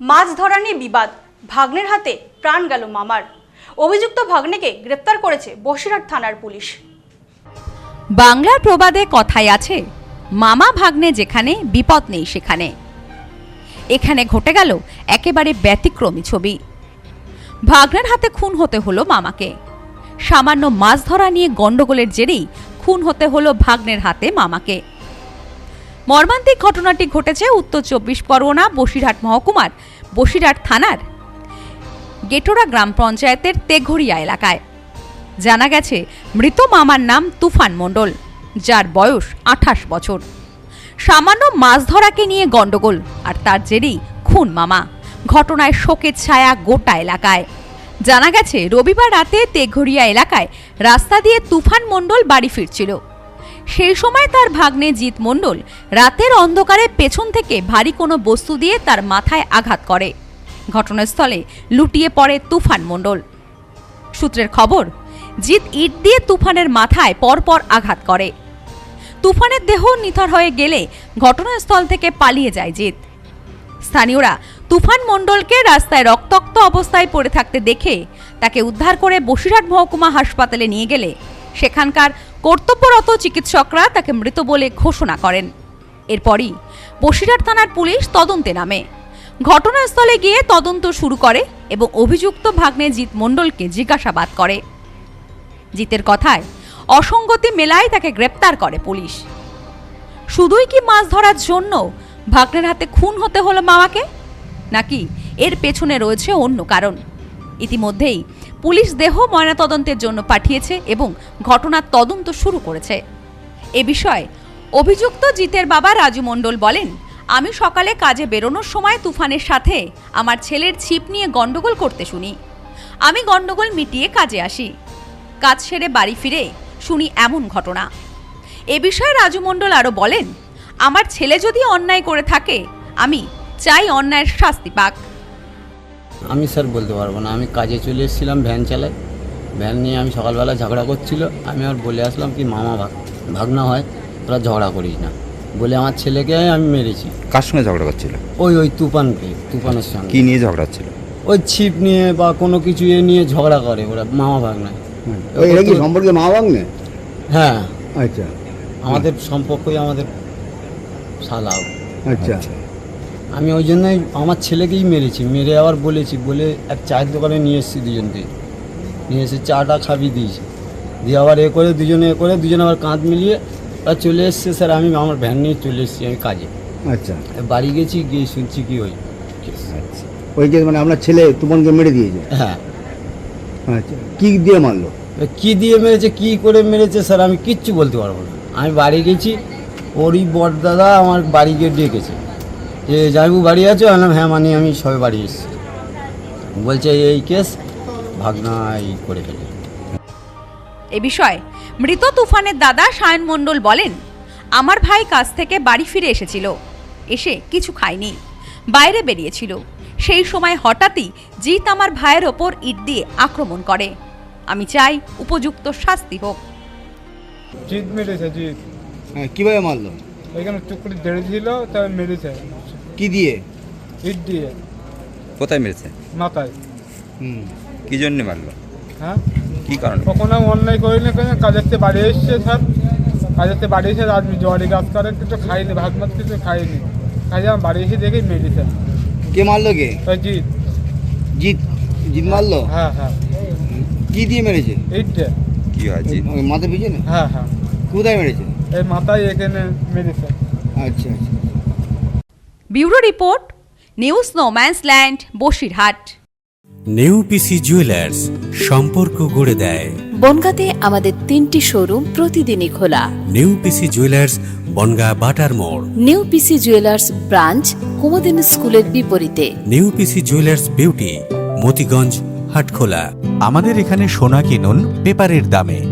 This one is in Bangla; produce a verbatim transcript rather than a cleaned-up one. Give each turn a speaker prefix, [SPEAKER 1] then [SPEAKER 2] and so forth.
[SPEAKER 1] মাছ ধরা নিয়ে বিবাদ, ভাগ্নের হাতে প্রাণ গেল মামার। অভিযুক্ত ভাগ্নেকে গ্রেপ্তার করেছে বসিরহাট থানার পুলিশ।
[SPEAKER 2] বাংলার প্রবাদে কথাই আছে, মামা ভাগ্নে যেখানে বিপদ নেই সেখানে। এখানে ঘটে গেল একেবারে ব্যতিক্রমী ছবি। ভাগ্নের হাতে খুন হতে হলো মামাকে। সামান্য মাছ ধরা নিয়ে গন্ডগোলের জেরেই খুন হতে হলো ভাগ্নের হাতে মামাকে। মর্মান্তিক ঘটনাটি ঘটেছে উত্তর চব্বিশ পরগনা বসিরহাট মহকুমার বসিরহাট থানার গেটোরা গ্রাম পঞ্চায়েতের তেঘরিয়া এলাকায়। জানা গেছে, মৃত মামার নাম তুফান মণ্ডল, যার বয়স আঠাশ বছর। সামান্য মাছ ধরাকে নিয়ে গন্ডগোল আর তার জেরেই খুন মামা। ঘটনায় শোকের ছায়া গোটা এলাকায়। জানা গেছে, রবিবার রাতে তেঘরিয়া এলাকায় রাস্তা দিয়ে তুফান মণ্ডল বাড়ি ফিরছিল। সেই সময় তার ভাগ্নে জিৎ মণ্ডল রাতের অন্ধকারে পেছন থেকে ভারী কোনো বস্তু দিয়ে তার মাথায় আঘাত করে। ঘটনাস্থলে লুটিয়ে পড়ে তুফান মণ্ডল। সূত্রের খবর, জিৎ ইট দিয়ে তুফানের মাথায় পরপর আঘাত করে। তুফানের দেহ নিথর হয়ে গেলে ঘটনাস্থল থেকে পালিয়ে যায় জিৎ। স্থানীয়রা তুফান মণ্ডলকে রাস্তায় রক্তাক্ত অবস্থায় পড়ে থাকতে দেখে তাকে উদ্ধার করে বসিরহাট মহকুমা হাসপাতালে নিয়ে গেলে সেখানকার কর্তব্যরত চিকিৎসকরা তাকে মৃত বলে ঘোষণা করেন। এরপরই বসিরহাট থানার পুলিশ তদন্তে নামে। ঘটনাস্থলে গিয়ে তদন্ত শুরু করে এবং অভিযুক্ত ভাগ্নে জিৎ মণ্ডলকে জিজ্ঞাসাবাদ করে। জিতের কথায় অসঙ্গতি মেলায় তাকে গ্রেপ্তার করে পুলিশ। শুধুই কি মাছ ধরার জন্য ভাগ্নের হাতে খুন হতে হলো মামাকে, নাকি এর পেছনে রয়েছে অন্য কারণ? ইতিমধ্যেই পুলিশ দেহ ময়নাতদন্তের জন্য পাঠিয়েছে এবং ঘটনার তদন্ত শুরু করেছে। এ বিষয়ে অভিযুক্ত জিতের বাবা রাজু মণ্ডল বলেন, আমি সকালে কাজে বেরোনোর সময় তুফানের সাথে আমার ছেলের ছিপ নিয়ে গন্ডগোল করতে শুনি। আমি গন্ডগোল মিটিয়ে কাজে আসি। কাজ সেরে বাড়ি ফিরে শুনি এমন ঘটনা। এ বিষয়ে রাজু মণ্ডল আরও বলেন, আমার ছেলে যদি অন্যায় করে থাকে আমি চাই অন্যায়ের শাস্তি পাক।
[SPEAKER 3] আমি স্যার বলতে পারবো না। আমি কাজে চলে এসেছিলাম, ভ্যান চালাই। ভ্যান নিয়ে আমি সকালবেলা ঝগড়া করছিল। আমি আর বলে আসলাম কি মামা ভাগ ভাগনা হয়, তোরা ঝগড়া করিস না বলে আমার ছেলেকে আমি মেরেছি।
[SPEAKER 4] কার সঙ্গে ঝগড়া করছিল?
[SPEAKER 3] ওই ওই তুফানকে তুফানের সঙ্গে।
[SPEAKER 4] কি নিয়ে ঝগড়া ছিল?
[SPEAKER 3] ওই ছিপ নিয়ে বা কোনো কিছু এ নিয়ে ঝগড়া করে ওরা, মামা ভাগনা।
[SPEAKER 5] এটা কি সম্পর্কে মা ভাগ্নে?
[SPEAKER 3] হ্যাঁ,
[SPEAKER 5] আচ্ছা,
[SPEAKER 3] আমাদের সম্পর্কই আমাদের শালাও।
[SPEAKER 5] আচ্ছা,
[SPEAKER 3] আমি ওই জন্যই আমার ছেলেকেই মেরেছি। মেরে আবার বলেছি, বলে এক চায়ের দোকানে নিয়ে এসেছি দুজনকে। নিয়ে এসে চাটা খাবি দিয়েছি, দিয়ে আবার এ করে দুজনে এ করে দুজনে আবার কাঁধ মিলিয়ে ওরা চলে এসছে। স্যার আমি আমার ভ্যান নিয়ে চলে এসেছি আমি কাজে।
[SPEAKER 5] আচ্ছা,
[SPEAKER 3] বাড়ি গেছি, গিয়ে শুনছি কি ওই
[SPEAKER 5] আচ্ছা, ওই যে মানে আপনার ছেলে তুমনকে মেরে দিয়েছে?
[SPEAKER 3] হ্যাঁ।
[SPEAKER 5] আচ্ছা, কি দিয়ে মারলো?
[SPEAKER 3] কি দিয়ে মেরেছে, কি করে মেরেছে স্যার আমি কিচ্ছু বলতে পারবো না। আমি বাড়ি গেছি, ওরই বড়দাদা আমার বাড়ি গিয়ে ডেকেছে যে জাইবু বাড়ি আছো? বললাম হ্যাঁ, মানে আমি সবে বাড়ি এসেছি। বলছে এই কেস ভাগনা এই করে ফেলে।
[SPEAKER 2] এ বিষয়ে মৃত তুফানের দাদা সায়ন মণ্ডল বলেন, আমার ভাই কাজ থেকে বাড়ি ফিরে এসেছিল। এসে কিছু খায়নি, বাইরে বেরিয়েছিল। সেই সময় হঠাৎই জিৎ আমার ভাইয়ের ওপর ইট দিয়ে আক্রমণ করে। আমি চাই উপযুক্ত শাস্তি হোক।
[SPEAKER 6] জিৎ মেরেছে, জিৎ।
[SPEAKER 5] হ্যাঁ, কিভাবে মারলো?
[SPEAKER 6] ওইখানে টুকরি দেড়ে ছিল, তাই মেরেছে।
[SPEAKER 5] কি দিয়ে?
[SPEAKER 6] ইট দিয়ে।
[SPEAKER 4] কোথায় মেরেছে?
[SPEAKER 6] মাথায়।
[SPEAKER 5] হুম,
[SPEAKER 4] কি জন্য মারলো?
[SPEAKER 6] হ্যাঁ,
[SPEAKER 4] কি কারণে?
[SPEAKER 6] কখনো অন্যায় করিনি, কেন কাজের থেকে বাড়ি এসছে স্যার। কাজের থেকে বাড়ি এসে আদমি জোয়ারি গাছ করে কিছু খাইনি, ভাত মাছ কিছু খাইনি। কাজে আমি বাড়ি এসে দেখি মেরেছে।
[SPEAKER 5] কে মারলো? কে?
[SPEAKER 6] ওই জিৎ।
[SPEAKER 5] জিৎ জিৎ মারলো?
[SPEAKER 6] হ্যাঁ হ্যাঁ।
[SPEAKER 5] কি দিয়ে মেরেছে?
[SPEAKER 6] ইট দিয়ে।
[SPEAKER 4] কি হয়েছে?
[SPEAKER 5] ওই মাথা পিছনে?
[SPEAKER 6] হ্যাঁ হ্যাঁ।
[SPEAKER 5] কোথায় মেরেছে?
[SPEAKER 6] এই মাথায় এখানে মেরেছে।
[SPEAKER 5] আচ্ছা, আচ্ছা।
[SPEAKER 2] Bureau report, news no man's land, Basirhat.
[SPEAKER 7] নেউপিসি জুয়েলার্স, সম্পর্ক গড়ে দেয়।
[SPEAKER 8] বনগাঁতে আমাদের তিনটি শোরুম প্রতিদিনই খোলা।
[SPEAKER 7] নেউপিসি জুয়েলার্স, বনগা বাটার মোড়।
[SPEAKER 8] নিউপিসি জুয়েলার্স ব্রাঞ্চ কুমদিন স্কুলের বিপরীতে।
[SPEAKER 7] নেউপিসি জুয়েলার্স বিউটি, মতিগঞ্জ, হাটখোলা।
[SPEAKER 9] আমাদের এখানে সোনা কিনুন পেপারের দামে।